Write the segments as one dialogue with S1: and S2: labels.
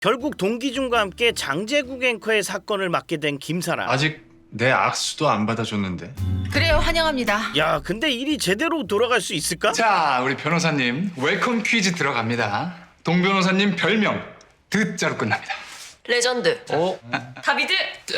S1: 결국 동기준과 함께 장제국 앵커의 사건을 맡게 된 김사라.
S2: 아직 내 악수도 안 받아줬는데.
S3: 그래요, 환영합니다.
S1: 야, 근데 일이 제대로 돌아갈 수 있을까?
S4: 자, 우리 변호사님 웰컴 퀴즈 들어갑니다. 동 변호사님 별명 드자로 끝납니다.
S5: 레전드. 다비드.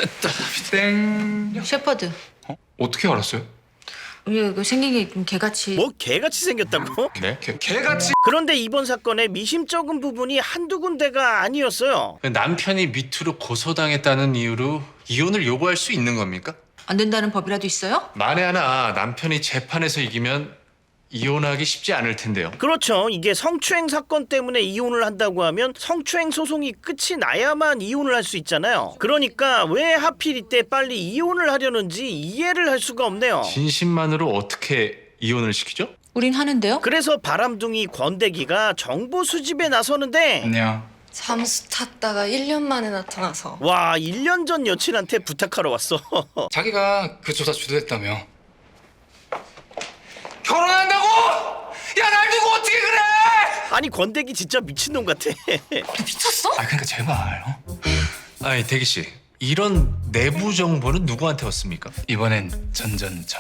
S4: 땡.
S3: 셰퍼드.
S4: 어떻게 알았어요?
S3: 이거 생긴 게 좀 개같이.
S1: 뭐 개같이 생겼다고?
S2: 네?
S4: 개같이.
S1: 그런데 이번 사건의 미심쩍은 부분이 한두 군데가 아니었어요.
S2: 남편이 미투로 고소당했다는 이유로 이혼을 요구할 수 있는 겁니까?
S3: 안 된다는 법이라도 있어요?
S2: 만에 하나 남편이 재판에서 이기면 이혼하기 쉽지 않을 텐데요.
S1: 그렇죠. 이게 성추행 사건 때문에 이혼을 한다고 하면 성추행 소송이 끝이 나야만 이혼을 할 수 있잖아요. 그러니까 왜 하필 이때 빨리 이혼을 하려는지 이해를 할 수가 없네요.
S2: 진심만으로 어떻게 이혼을 시키죠?
S3: 우린 하는데요?
S1: 그래서 바람둥이 권대기가 정보 수집에 나서는데
S4: 안녕.
S5: 잠수 탔다가 1년 만에 나타나서.
S1: 와, 1년 전 여친한테 부탁하러 왔어.
S4: 자기가 그 조사 주도했다며. 결혼한다고? 야, 날 두고 어떻게 그래?
S1: 아니, 권대기 진짜 미친놈 같아.
S5: 미쳤어?
S4: 아, 그러니까 제발.
S2: 아니 대기 씨, 이런 내부 정보는 누구한테 왔습니까?
S4: 이번엔 전전전.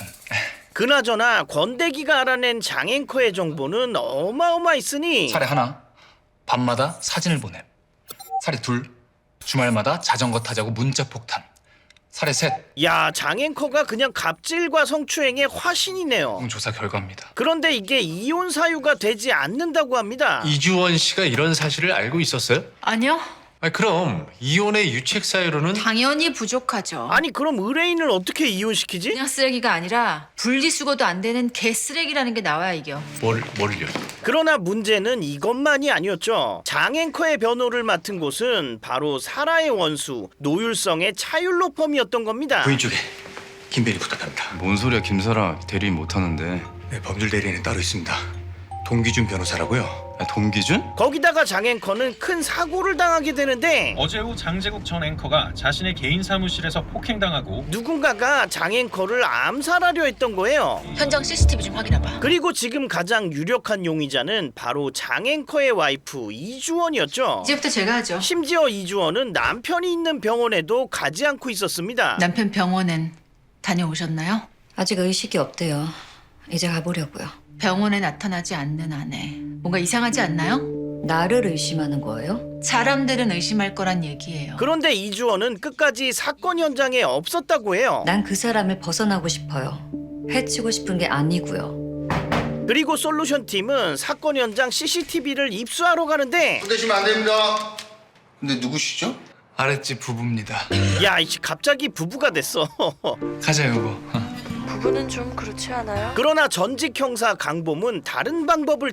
S1: 그나저나 권대기가 알아낸 장앵커의 정보는 어마어마했으니
S4: 사례 하나. 밤마다 사진을 보냄. 사례 둘. 주말마다 자전거 타자고 문자 폭탄. 사례 셋.
S1: 야, 장앵커가 그냥 갑질과 성추행의 화신이네요.
S4: 조사 결과입니다.
S1: 그런데 이게 이혼 사유가 되지 않는다고 합니다.
S2: 이주원 씨가 이런 사실을 알고 있었어요?
S3: 아니요.
S2: 아니, 그럼 이혼의 유책 사유로는
S3: 당연히 부족하죠.
S1: 아니, 그럼 의뢰인을 어떻게 이혼시키지?
S3: 그냥 쓰레기가 아니라 분리수거도 안 되는 개쓰레기라는 게 나와야 이겨.
S2: 뭘요?
S1: 그러나 문제는 이것만이 아니었죠. 장앵커의 변호를 맡은 곳은 바로 사라의 원수 노율성의 차율로펌이었던 겁니다.
S6: 부인 쪽에 김대리 부탁합니다.
S7: 뭔 소리야, 김사라. 대리인 못하는데.
S6: 네, 법률 대리인은 따로 있습니다. 동기준 변호사라고요.
S7: 동기준?
S1: 거기다가 장앵커는 큰 사고를 당하게 되는데
S8: 어제 오후 장제국 전 앵커가 자신의 개인 사무실에서 폭행당하고
S1: 누군가가 장앵커를 암살하려 했던 거예요.
S3: 현장 CCTV 좀 확인해봐.
S1: 그리고 지금 가장 유력한 용의자는 바로 장앵커의 와이프 이주원이었죠.
S3: 이제부터 제가 하죠.
S1: 심지어 이주원은 남편이 있는 병원에도 가지 않고 있었습니다.
S3: 남편 병원엔 다녀오셨나요?
S9: 아직 의식이 없대요. 이제 가보려고요.
S3: 병원에 나타나지 않는 아내. 뭔가 이상하지 않나요?
S9: 나를 의심하는 거예요?
S3: 사람들은 의심할 거란 얘기예요.
S1: 그런데 이주원은 끝까지 사건 현장에 없었다고 해요.
S9: 난 그 사람을 벗어나고 싶어요. 해치고 싶은 게 아니고요.
S1: 그리고 솔루션 팀은 사건 현장 CCTV를 입수하러 가는데
S10: 손대시면 안 됩니다. 근데 누구시죠?
S4: 아랫집 부부입니다.
S1: 야, 이씨 갑자기 부부가 됐어.
S4: 가자, 여보.
S5: 부부는 좀 그렇지 않아요?
S1: 그러나 전직 형사 강범은 다른 방법을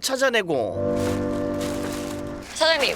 S1: 찾아내고
S5: 사장님,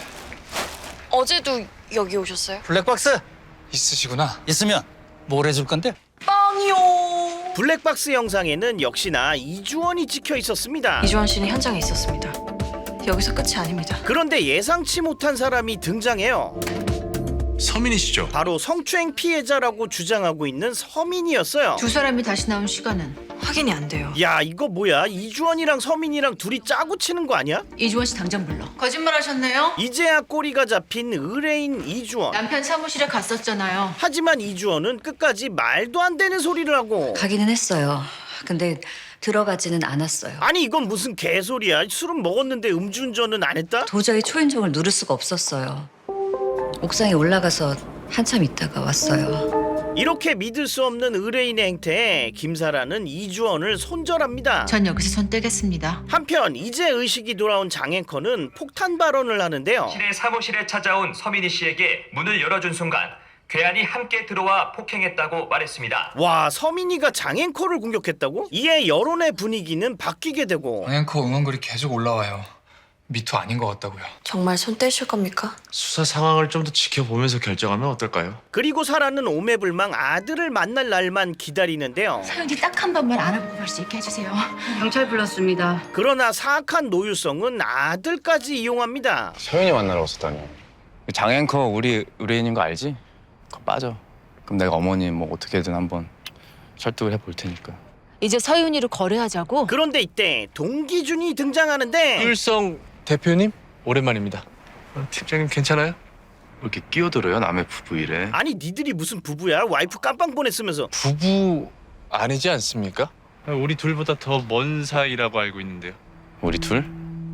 S5: 어제도 여기 오셨어요?
S11: 블랙박스
S4: 있으시구나.
S11: 있으면 뭘 해줄 건데?
S5: 빵이요.
S1: 블랙박스 영상에는 역시나 이주원이 찍혀 있었습니다.
S5: 이주원 씨는 현장에 있었습니다. 여기서 끝이 아닙니다.
S1: 그런데 예상치 못한 사람이 등장해요.
S2: 서민이시죠?
S1: 바로 성추행 피해자라고 주장하고 있는 서민이었어요.
S3: 두 사람이 다시 나온 시간은?
S5: 확인이 안 돼요.
S1: 야, 이거 뭐야? 이주원이랑 서민이랑 둘이 짜고 치는 거 아니야?
S3: 이주원 씨 당장 불러. 거짓말 하셨네요?
S1: 이제야 꼬리가 잡힌 의뢰인 이주원.
S3: 남편 사무실에 갔었잖아요.
S1: 하지만 이주원은 끝까지 말도 안 되는 소리를 하고
S9: 가기는 했어요. 근데 들어가지는 않았어요.
S1: 아니, 이건 무슨 개소리야. 술은 먹었는데 음주운전은 안 했다?
S9: 도저히 초인종을 누를 수가 없었어요. 옥상에 올라가서 한참 있다가 왔어요.
S1: 이렇게 믿을 수 없는 의뢰인의 행태에 김사라는 이주원을 손절합니다.
S3: 전 여기서 손 떼겠습니다.
S1: 한편 이제 의식이 돌아온 장앵커는 폭탄 발언을 하는데요.
S12: 신의 사무실에 찾아온 서민희 씨에게 문을 열어준 순간 괴한이 함께 들어와 폭행했다고 말했습니다.
S1: 와, 서민이가 장앵커를 공격했다고? 이에 여론의 분위기는 바뀌게 되고
S4: 앵커 응원글이 계속 올라와요. 미투 아닌 것 같다고요.
S5: 정말 손 떼실 겁니까?
S2: 수사 상황을 좀 더 지켜보면서 결정하면 어떨까요?
S1: 그리고 사라는 오매불망 아들을 만날 날만 기다리는데요.
S3: 사연이 딱 한 번만 알아보고 갈 수 있게 해주세요.
S9: 경찰 불렀습니다.
S1: 그러나 사악한 노유성은 아들까지 이용합니다.
S7: 서윤이 만나러 왔었다니. 장앵커 우리 의뢰인인 거 알지? 그거 빠져. 그럼 내가 어머니 뭐 어떻게든 한번 설득을 해볼 테니까.
S3: 이제 서윤이를 거래하자고?
S1: 그런데 이때 동기준이 등장하는데
S2: 율성 대표님 오랜만입니다. 팀장님 괜찮아요?
S7: 이렇게 끼어들어요 남의 부부 일에?
S1: 아니 니들이 무슨 부부야? 와이프 깜빵 보냈으면서.
S2: 부부 아니지 않습니까? 우리 둘보다 더 먼 사이라고 알고 있는데요.
S7: 우리 둘?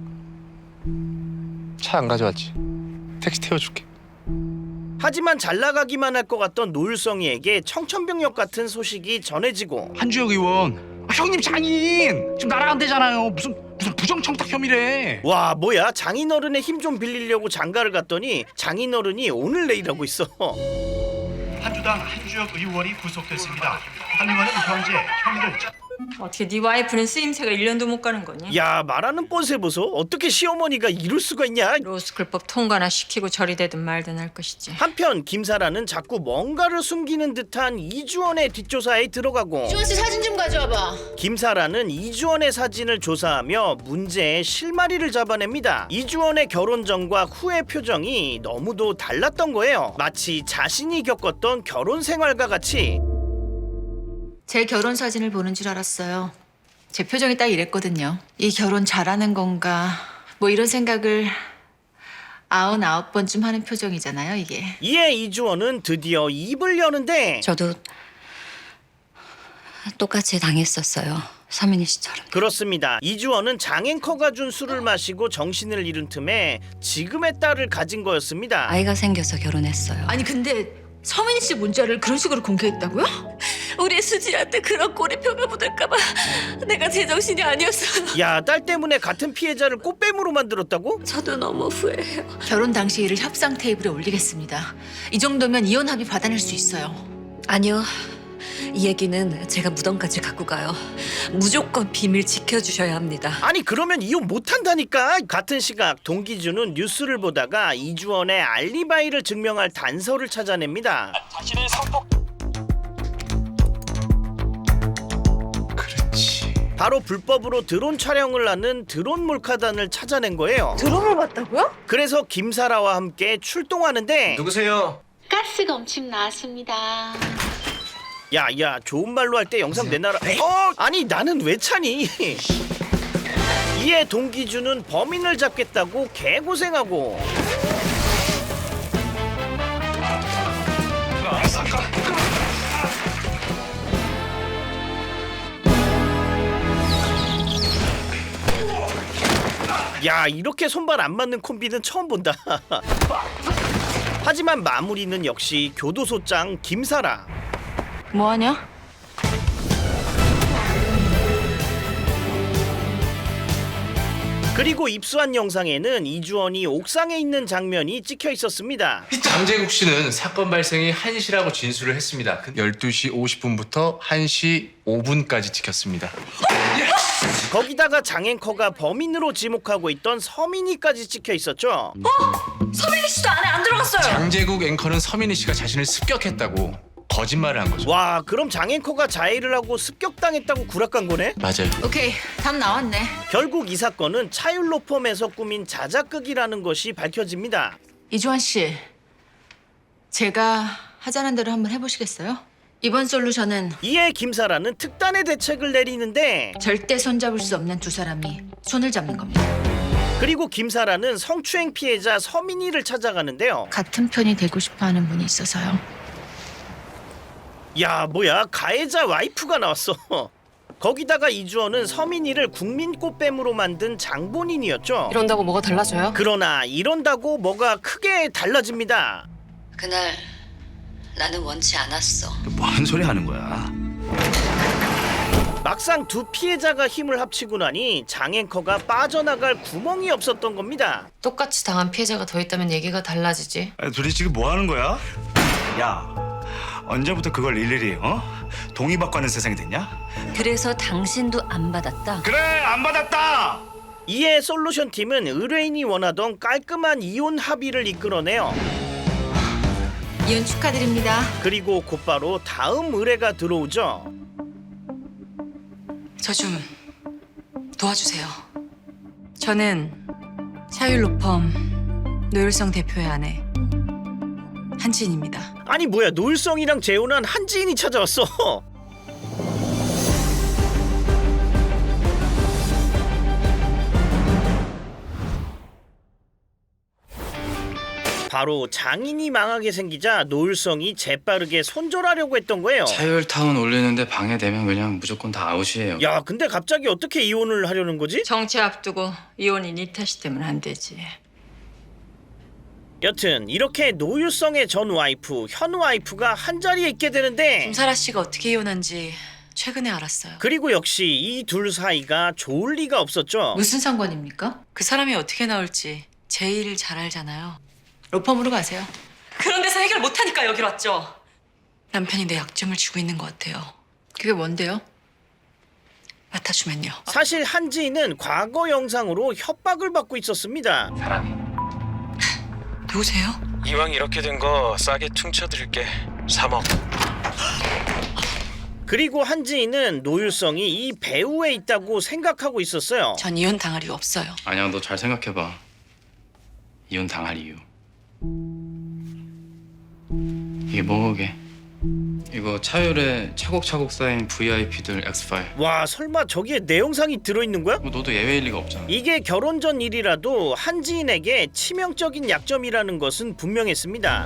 S2: 차 안 가져왔지? 택시 태워줄게.
S1: 하지만 잘 나가기만 할 것 같던 노율성이에게 청천벽력 같은 소식이 전해지고
S4: 한주혁 의원, 형님 장인 지금 나랑 안 되잖아요. 무슨 부정청탁 혐의래.
S1: 와 뭐야 장인어른의 힘 좀 빌리려고 장가를 갔더니 장인어른이 오늘 내일하고 있어.
S12: 한주당 한주혁 의원이 구속됐습니다. 한 의원은 현재 혐의를
S5: 어떻게 네 와이프는 쓰임새가 1년도 못 가는 거니?
S1: 야 말하는 뻔세 보소. 어떻게 시어머니가 이럴 수가 있냐.
S5: 로스쿨법 통과나 시키고 처리되든 말든 할 것이지.
S1: 한편 김사라는 자꾸 뭔가를 숨기는 듯한 이주원의 뒷조사에 들어가고
S3: 주원 씨 사진 좀 가져와봐.
S1: 김사라는 이주원의 사진을 조사하며 문제의 실마리를 잡아냅니다. 이주원의 결혼 전과 후의 표정이 너무도 달랐던 거예요. 마치 자신이 겪었던 결혼 생활과 같이.
S3: 제 결혼 사진을 보는 줄 알았어요. 제 표정이 딱 이랬거든요. 이 결혼 잘하는 건가 뭐 이런 생각을 99번쯤 하는 표정이잖아요 이게.
S1: 이에 이주원은 드디어 입을 여는데
S9: 저도 똑같이 당했었어요. 서민희 씨처럼.
S1: 그렇습니다. 이주원은 장앵커가 준 술을 마시고 정신을 잃은 틈에 지금의 딸을 가진 거였습니다.
S9: 아이가 생겨서 결혼했어요.
S3: 아니 근데 서민희 씨 문자를 그런 식으로 공개했다고요?
S5: 우리 수지한테 그런 꼬리표가 묻을까봐 내가 제정신이 아니었어요.
S1: 야, 딸 때문에 같은 피해자를 꽃뱀으로 만들었다고?
S5: 저도 너무 후회해요.
S3: 결혼 당시 일을 협상 테이블에 올리겠습니다. 이 정도면 이혼 합의 받아낼 수 있어요.
S9: 아니요. 이 얘기는 제가 무덤까지 갖고 가요. 무조건 비밀 지켜주셔야 합니다.
S1: 아니 그러면 이혼 못한다니까. 같은 시각 동기준은 뉴스를 보다가 이주원의 알리바이를 증명할 단서를 찾아냅니다.
S2: 그렇지.
S1: 바로 불법으로 드론 촬영을 하는 드론 몰카단을 찾아낸 거예요.
S5: 드론을 봤다고요?
S1: 그래서 김사라와 함께 출동하는데
S6: 누구세요?
S13: 가스가 엄청 나왔습니다.
S1: 야야 좋은 말로 할 때 영상 내놔라. 아니 나는 왜 차니? 이에 동기준은 범인을 잡겠다고 개고생하고 야 이렇게 손발 안 맞는 콤비는 처음 본다. 하지만 마무리는 역시 교도소장 김사라.
S3: 뭐하냐?
S1: 그리고 입수한 영상에는 이주원이 옥상에 있는 장면이 찍혀 있었습니다.
S2: 장재국 씨는 사건 발생이 1시라고 진술을 했습니다. 12시 50분부터 1시 5분까지 찍혔습니다.
S1: 거기다가 장앵커가 범인으로 지목하고 있던 서민이까지 찍혀 있었죠.
S5: 서민희 씨도 안에 안 들어갔어요.
S2: 장재국 앵커는 서민희 씨가 자신을 습격했다고 거짓말을 한 거죠.
S1: 와 그럼 장앵커가 자해를 하고 습격당했다고 구락한 거네?
S2: 맞아요.
S3: 오케이 답 나왔네.
S1: 결국 이 사건은 차율로펌에서 꾸민 자작극이라는 것이 밝혀집니다.
S3: 이주환 씨, 제가 하자는 대로 한번 해보시겠어요? 이번 솔루션은
S1: 이에 김사라는 특단의 대책을 내리는데
S3: 절대 손잡을 수 없는 두 사람이 손을 잡는 겁니다.
S1: 그리고 김사라는 성추행 피해자 서민이를 찾아가는데요.
S3: 같은 편이 되고 싶어하는 분이 있어서요.
S1: 야 뭐야 가해자 와이프가 나왔어. 거기다가 이주원은 서민이를 국민 꽃뱀으로 만든 장본인이었죠.
S5: 이런다고 뭐가 달라져요?
S1: 그러나 이런다고 뭐가 크게 달라집니다.
S9: 그날 나는 원치 않았어.
S6: 뭔 소리 하는 거야?
S1: 막상 두 피해자가 힘을 합치고 나니 장앵커가 빠져나갈 구멍이 없었던 겁니다.
S5: 똑같이 당한 피해자가 더 있다면 얘기가 달라지지.
S6: 둘이 지금 뭐 하는 거야? 야, 언제부터 그걸 일일이 동의받고 하는 세상이 됐냐?
S9: 그래서 당신도 안 받았다.
S6: 그래, 안 받았다.
S1: 이에 솔루션 팀은 의뢰인이 원하던 깔끔한 이혼 합의를 이끌어내요.
S3: 이혼 축하드립니다.
S1: 그리고 곧바로 다음 의뢰가 들어오죠.
S5: 저 좀 도와주세요. 저는 차율로펌 노율성 대표의 아내 한지인입니다.
S1: 아니 뭐야 노율성이랑 재혼한 한지인이 찾아왔어. 바로 장인이 망하게 생기자 노율성이 재빠르게 손절하려고 했던 거예요.
S7: 차율타운 올리는데 방해되면 그냥 무조건 다 아웃이에요.
S1: 야, 근데 갑자기 어떻게 이혼을 하려는 거지?
S3: 정치 앞두고 이혼이 네 탓이 되면 안 되지.
S1: 여튼 이렇게 노율성의 전 와이프, 현 와이프가 한자리에 있게 되는데
S5: 김사라 씨가 어떻게 이혼한지 최근에 알았어요.
S1: 그리고 역시 이 둘 사이가 좋을 리가 없었죠.
S3: 무슨 상관입니까?
S5: 그 사람이 어떻게 나올지 제일 잘 알잖아요.
S3: 로펌으로 가세요.
S5: 그런 데서 해결 못하니까 여기로 왔죠. 남편이 내 약점을 쥐고 있는 것 같아요.
S3: 그게 뭔데요?
S5: 맡아주면요.
S1: 사실 한지인은 과거 영상으로 협박을 받고 있었습니다.
S5: 누구세요?
S14: 이왕 이렇게 된 거 싸게 퉁쳐드릴게. 3억.
S1: 그리고 한지인은 노율성이 이 배후에 있다고 생각하고 있었어요.
S5: 전 이혼 당할 이유 없어요.
S7: 아니야, 너 잘 생각해봐. 이혼 당할 이유. 이게 뭐게? 이거 차율에 차곡차곡 쌓인 VIP들 X5.
S1: 와, 설마 저기에 내 영상이 들어있는 거야?
S7: 뭐 너도 예외일 리가 없잖아.
S1: 이게 결혼 전 일이라도 한지인에게 치명적인 약점이라는 것은 분명했습니다.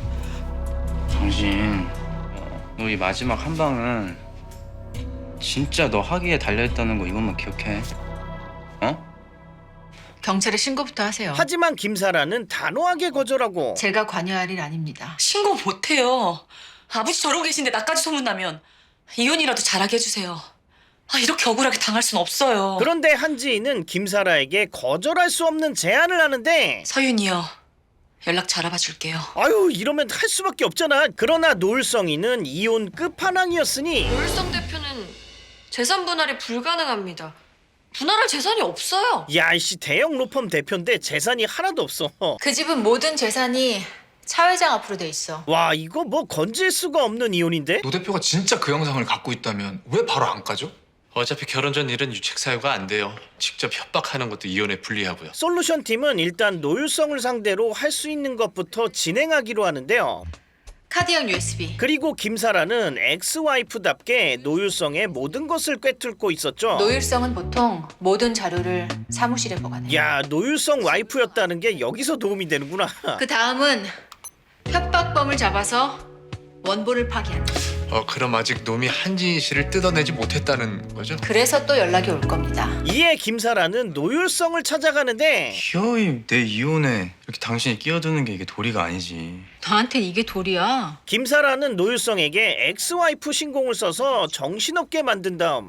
S7: 당신, 너 이 마지막 한 방은 진짜 너 하기에 달려있다는 거 이것만 기억해. 어?
S3: 경찰에 신고부터 하세요.
S1: 하지만 김사라는 단호하게 거절하고
S3: 제가 관여할 일 아닙니다.
S5: 신고 못해요. 아버지 저러고 계신데 나까지 소문나면 이혼이라도 잘하게 해주세요. 이렇게 억울하게 당할 순 없어요.
S1: 그런데 한지인은 김사라에게 거절할 수 없는 제안을 하는데
S5: 서윤이요. 연락 잘 알아봐줄게요.
S1: 아유, 이러면 할 수밖에 없잖아. 그러나 노을성이는 이혼 끝판왕이었으니
S5: 노율성 대표는 재산 분할이 불가능합니다. 분할할 재산이 없어요.
S1: 야, 이씨 대형 로펌 대표인데 재산이 하나도 없어.
S3: 그 집은 모든 재산이 차 회장 앞으로 돼 있어.
S1: 와, 이거 뭐 건질 수가 없는 이혼인데?
S4: 노 대표가 진짜 그 영상을 갖고 있다면 왜 바로 안 까죠?
S2: 어차피 결혼 전 일은 유책 사유가 안 돼요. 직접 협박하는 것도 이혼에 불리하고요.
S1: 솔루션 팀은 일단 노율성을 상대로 할 수 있는 것부터 진행하기로 하는데요.
S3: 카드형 USB.
S1: 그리고 김사라는 엑스와이프답게 노율성의 모든 것을 꿰뚫고 있었죠.
S3: 노율성은 보통 모든 자료를 사무실에 보관해요.
S1: 야, 노율성 와이프였다는 게 여기서 도움이 되는구나.
S3: 그 다음은 협박범을 잡아서 원본을 파기한다.
S2: 그럼 아직 놈이 한지인 씨를 뜯어내지 못했다는 거죠?
S3: 그래서 또 연락이 올 겁니다.
S1: 이에 김사라는 노율성을 찾아가는데
S7: 희어이 내 이혼에 이렇게 당신이 끼어드는 게 이게 도리가 아니지.
S3: 너한텐 이게 도리야.
S1: 김사라는 노율성에게 엑스와이프 신공을 써서 정신없게 만든 다음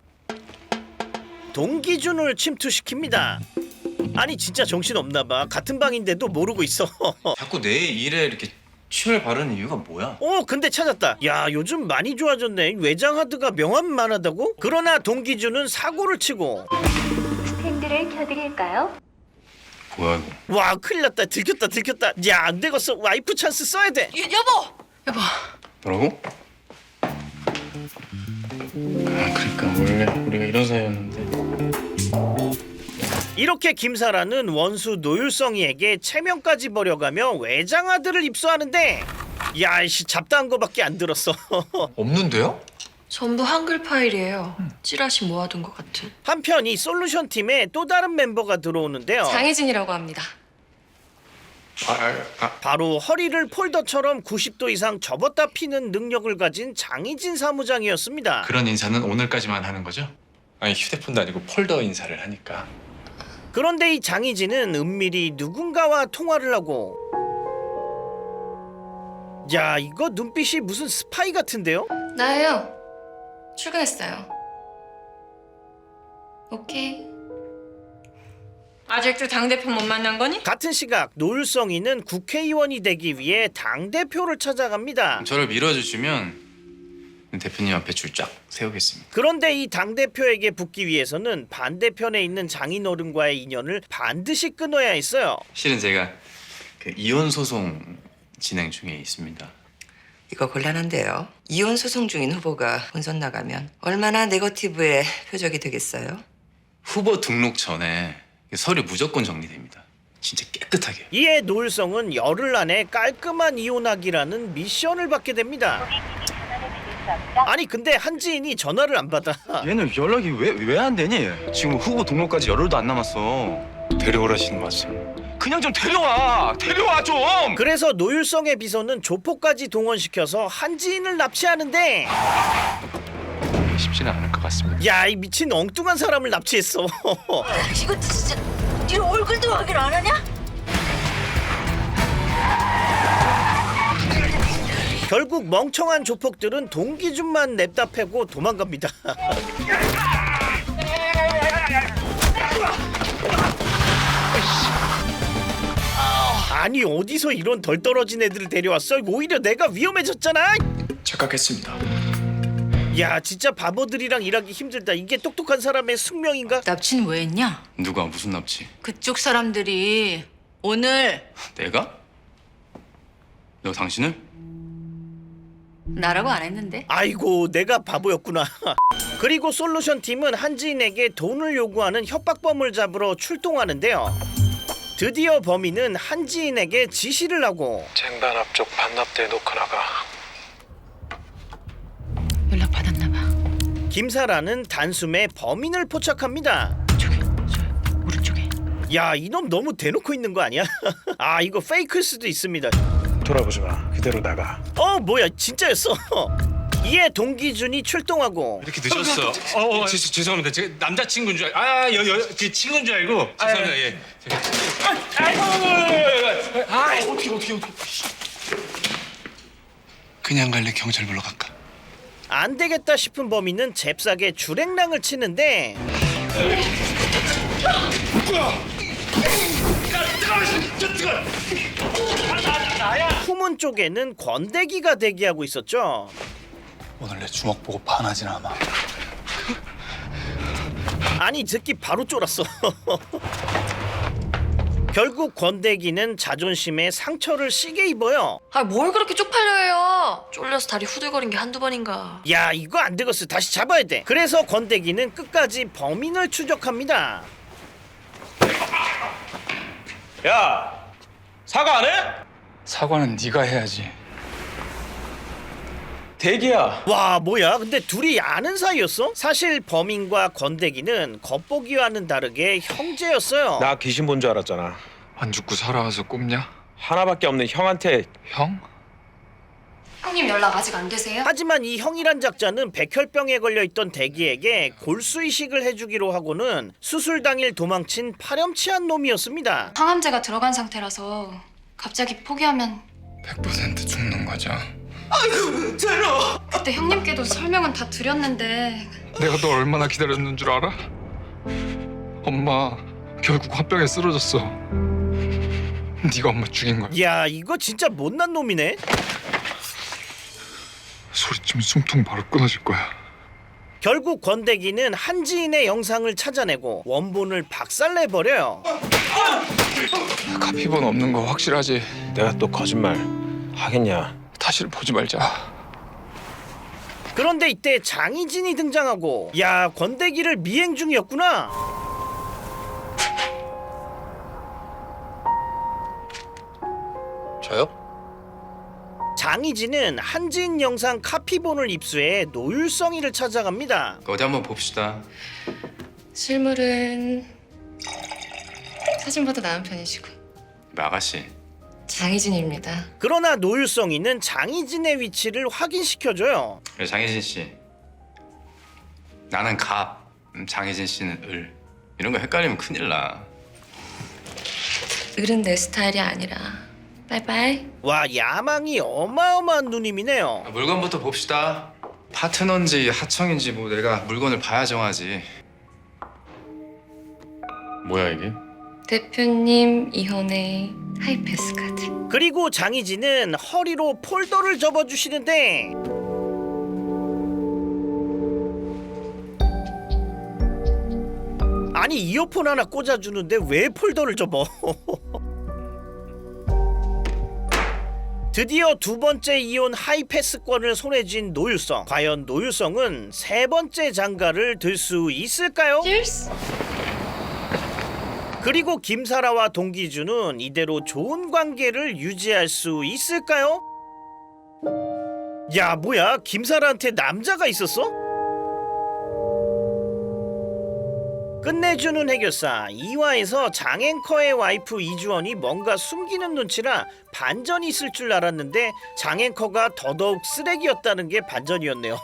S1: 동기준을 침투시킵니다. 아니, 진짜 정신없나 봐. 같은 방인데도 모르고 있어.
S7: 자꾸 내 일에 이렇게 침을 바르는 이유가 뭐야?
S1: 근데 찾았다. 야, 요즘 많이 좋아졌네. 외장하드가 명함만 하다고? 그러나 동기준은 사고를 치고
S13: 핸들을 켜드릴까요?
S7: 뭐야 이거?
S1: 와, 큰일 났다. 들켰다. 야, 안 되겠어. 와이프 찬스 써야 돼.
S5: 여보!
S7: 뭐라고? 그러니까 원래 우리가 이런 사이였는데.
S1: 이렇게 김사라는 원수 노율성이에게 체면까지 버려가며 외장하드를 입수하는데 야, 이씨 잡다한 거밖에 안 들었어.
S4: 없는데요?
S5: 전부 한글 파일이에요. 찌라시 모아둔 것 같은.
S1: 한편 이 솔루션 팀에 또 다른 멤버가 들어오는데요.
S5: 장혜진이라고 합니다.
S1: 바로 허리를 폴더처럼 90도 이상 접었다 피는 능력을 가진 장희진 사무장이었습니다.
S2: 그런 인사는 오늘까지만 하는 거죠? 아니, 휴대폰도 아니고 폴더 인사를 하니까.
S1: 그런데 이 장희진은 은밀히 누군가와 통화를 하고 야, 이거 눈빛이 무슨 스파이 같은데요?
S5: 나예요. 출근했어요. 오케이. 아직도 당대표 못 만난 거니?
S1: 같은 시각 노율성이는 국회의원이 되기 위해 당대표를 찾아갑니다.
S7: 저를 밀어주시면 대표님 앞에 줄 쫙 세우겠습니다.
S1: 그런데 이 당대표에게 붙기 위해서는 반대편에 있는 장인어른과의 인연을 반드시 끊어야 했어요.
S7: 실은 제가 그 이혼 소송 진행 중에 있습니다.
S15: 이거 곤란한데요. 이혼 소송 중인 후보가 본선 나가면 얼마나 네거티브의 표적이 되겠어요?
S7: 후보 등록 전에 서류 무조건 정리됩니다. 진짜 깨끗하게.
S1: 이에 노율성은 열흘 안에 깔끔한 이혼하기라는 미션을 받게 됩니다. 아니, 근데 한지인이 전화를 안 받아.
S7: 얘는 연락이 왜 안 되니? 지금 후보 등록까지 열흘도 안 남았어.
S14: 데려오라시는 말씀.
S7: 그냥 좀 데려와 좀.
S1: 그래서 노율성의 비서는 조폭까지 동원시켜서 한지인을 납치하는데
S2: 쉽지는 않을 것 같습니다.
S1: 야, 이 미친 엉뚱한 사람을 납치했어.
S9: 이거 진짜 네 얼굴도 확인 안 하냐?
S1: 결국 멍청한 조폭들은 동기준만 냅다 패고 도망갑니다. 아니 어디서 이런 덜 떨어진 애들을 데려왔어? 오히려 내가 위험해졌잖아.
S2: 착각했습니다.
S1: 야, 진짜 바보들이랑 일하기 힘들다. 이게 똑똑한 사람의 숙명인가?
S3: 납치는 왜 했냐?
S7: 누가 무슨 납치?
S3: 그쪽 사람들이 오늘
S7: 내가? 너 당신을?
S3: 나라고 안 했는데.
S1: 아이고, 내가 바보였구나. 그리고 솔루션 팀은 한지인에게 돈을 요구하는 협박범을 잡으러 출동하는데요. 드디어 범인은 한지인에게 지시를 하고
S14: 쟁반 앞쪽 반납대 놓고 나가.
S3: 연락 받았나 봐.
S1: 김사라는 단숨에 범인을 포착합니다.
S3: 오른쪽에.
S1: 야, 이놈 너무 대놓고 있는 거 아니야? 아, 이거 페이크일 수도 있습니다.
S14: 돌아보지 마. 그대로 나가.
S1: 뭐야, 진짜였어. 이에 동기준이 출동하고
S2: 이렇게 늦었어. 죄송합니다. 제가 남자친구인 줄 제 친구인 줄 알고. 죄송합니다. 예. 어떻게. 그냥 갈래 경찰 불러갈까?
S1: 안 되겠다 싶은 범인은 잽싸게 주랭랑을 치는데 후문 쪽에는 권대기가 대기하고 있었죠.
S4: 오늘 내 주먹 보고 반하진 않아.
S1: 아니, 이 새끼 바로 쫄았어. 결국 권대기는 자존심에 상처를 시게 입어요.
S16: 아, 뭘 그렇게 쪽팔려 해요? 쫄려서 다리 후들거린 게 한두 번인가.
S1: 야, 이거 안 되겠어. 다시 잡아야 돼. 그래서 권대기는 끝까지 범인을 추적합니다.
S14: 야, 사과 안 해?
S4: 사과는 네가 해야지.
S14: 대기야.
S1: 와, 뭐야? 근데 둘이 아는 사이였어? 사실 범인과 권대기는 겉보기와는 다르게 형제였어요.
S14: 나 귀신 본 줄 알았잖아.
S2: 안 죽고 살아와서 꼽냐?
S14: 하나밖에 없는 형한테.
S2: 형?
S16: 형님 연락 아직 안 되세요?
S1: 하지만 이 형이란 작자는 백혈병에 걸려있던 대기에게 골수이식을 해주기로 하고는 수술 당일 도망친 파렴치한 놈이었습니다.
S16: 항암제가 들어간 상태라서 갑자기 포기하면
S4: 100% 죽는 거죠.
S16: 아이고, 제로. 그때 형님께도 설명은 다 드렸는데
S2: 내가 너 얼마나 기다렸는 줄 알아? 엄마 결국 화병에 쓰러졌어. 네가 엄마 죽인 거야.
S1: 야, 이거 진짜 못난 놈이네.
S2: 소리치면 숨통 바로 끊어질 거야.
S1: 결국 권대기는 한지인의 영상을 찾아내고 원본을 박살내버려요.
S2: 카피본 없는 거 확실하지?
S14: 내가 또 거짓말 하겠냐?
S2: 다시는 보지 말자.
S1: 그런데 이때 장희진이 등장하고, 야, 권대기를 미행 중이었구나.
S7: 저요?
S1: 장희진은 한지인 영상 카피본을 입수해 노율성이를 찾아갑니다.
S7: 어디 한번 봅시다.
S16: 실물은 사진보다 나은 편이시고.
S7: 아가씨.
S16: 장희진입니다.
S1: 그러나 노율성이는 장희진의 위치를 확인시켜줘요.
S7: 그래, 장혜진 씨. 나는 갑, 장혜진 씨는 을. 이런 거 헷갈리면 큰일 나.
S16: 을은 내 스타일이 아니라. 바이바이.
S1: 와, 야망이 어마어마한 누님이네요.
S7: 물건부터 봅시다. 파트너인지 하청인지 뭐 내가 물건을 봐야 정하지. 뭐야 이게?
S16: 대표님 이혼의 하이패스 카드.
S1: 그리고 장희진은 허리로 폴더를 접어주시는데 아니, 이어폰 하나 꽂아주는데 왜 폴더를 접어? 드디어 두 번째 이혼 하이패스권을 손에 쥔 노율성. 과연 노율성은 세 번째 장가를 들 수 있을까요? 그리고 김사라와 동기준은 이대로 좋은 관계를 유지할 수 있을까요? 야, 뭐야? 김사라한테 남자가 있었어? 끝내주는 해결사 2화에서 장앵커의 와이프 이주원이 뭔가 숨기는 눈치라 반전이 있을 줄 알았는데 장앵커가 더더욱 쓰레기였다는 게 반전이었네요.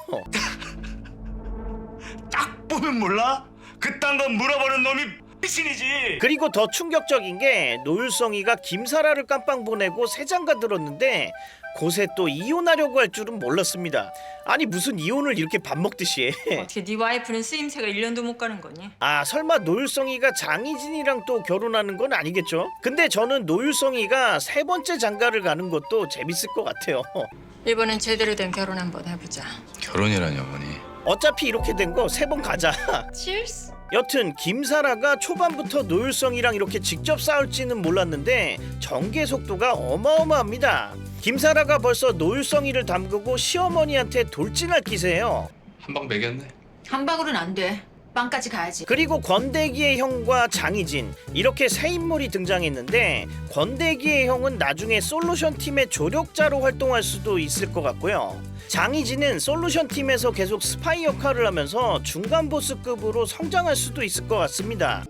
S6: 딱 보면 몰라? 그딴 건 물어보는 놈이 미신이지.
S1: 그리고 더 충격적인 게 노율성이가 김사라를 깜빵 보내고 새장가 들었는데 곳에 또 이혼하려고 할 줄은 몰랐습니다. 아니 무슨 이혼을 이렇게 밥 먹듯이 해.
S5: 어떻게 네 와이프는 쓰임새가 1년도 못 가는 거니?
S1: 아 설마 노율성이가 장희진이랑 또 결혼하는 건 아니겠죠? 근데 저는 노율성이가 세 번째 장가를 가는 것도 재밌을 것 같아요.
S16: 이번엔 제대로 된 결혼 한번 해보자.
S7: 결혼이라니 어머니.
S1: 어차피 이렇게 된 거 세 번 가자.
S16: Cheers.
S1: 여튼 김사라가 초반부터 노율성이랑 이렇게 직접 싸울지는 몰랐는데 전개 속도가 어마어마합니다. 김사라가 벌써 노율성이를 담그고 시어머니한테 돌진할 기세예요.
S4: 한 방 매겼네.
S3: 한 방울은 안 돼. 빵까지 가야지.
S1: 그리고 권대기의 형과 장희진 이렇게 세 인물이 등장했는데 권대기의 형은 나중에 솔루션 팀의 조력자로 활동할 수도 있을 것 같고요. 장희진은 솔루션 팀에서 계속 스파이 역할을 하면서 중간 보스급으로 성장할 수도 있을 것 같습니다.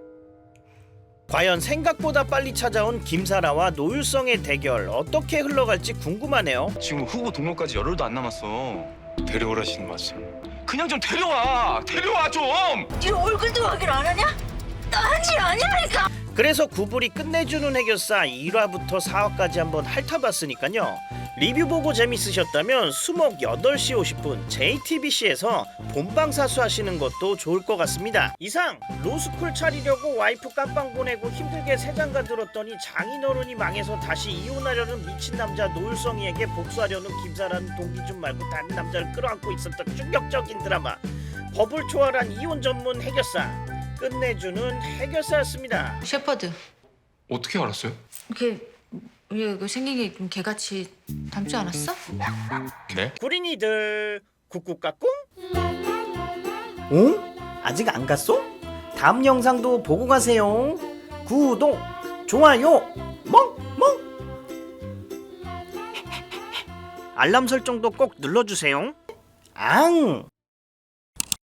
S1: 과연 생각보다 빨리 찾아온 김사라와 노율성의 대결 어떻게 흘러갈지 궁금하네요.
S7: 지금 후보 등록까지 열흘도 안 남았어. 데려오라시는 말씀. 그냥 좀 데려와 좀.
S3: 네 얼굴도 확인 안 하냐? 나 한지 아니라니까.
S1: 그래서 구불이 끝내주는 해결사 1화부터 4화까지 한번 핥아봤으니까요. 리뷰 보고 재밌으셨다면 수목 8시 50분 JTBC에서 본방사수 하시는 것도 좋을 것 같습니다. 이상 로스쿨 차리려고 와이프 깜빵 보내고 힘들게 새장가 들었더니 장인어른이 망해서 다시 이혼하려는 미친 남자 노율성이에게 복수하려는 김사라는 동기준 말고 다른 남자를 끌어안고 있었던 충격적인 드라마 법을 초월한 이혼 전문 해결사 끝내주는 해결사였습니다.
S3: 셰퍼드.
S4: 어떻게 알았어요?
S3: 이게 생긴 게 좀 개같이 닮지 않았어?
S7: 네?
S1: 구린이들 꾹꾹까꿍? 응? 아직 안 갔어? 다음 영상도 보고 가세요. 구독, 좋아요, 멍멍. 알람 설정도 꼭 눌러주세요. 앙!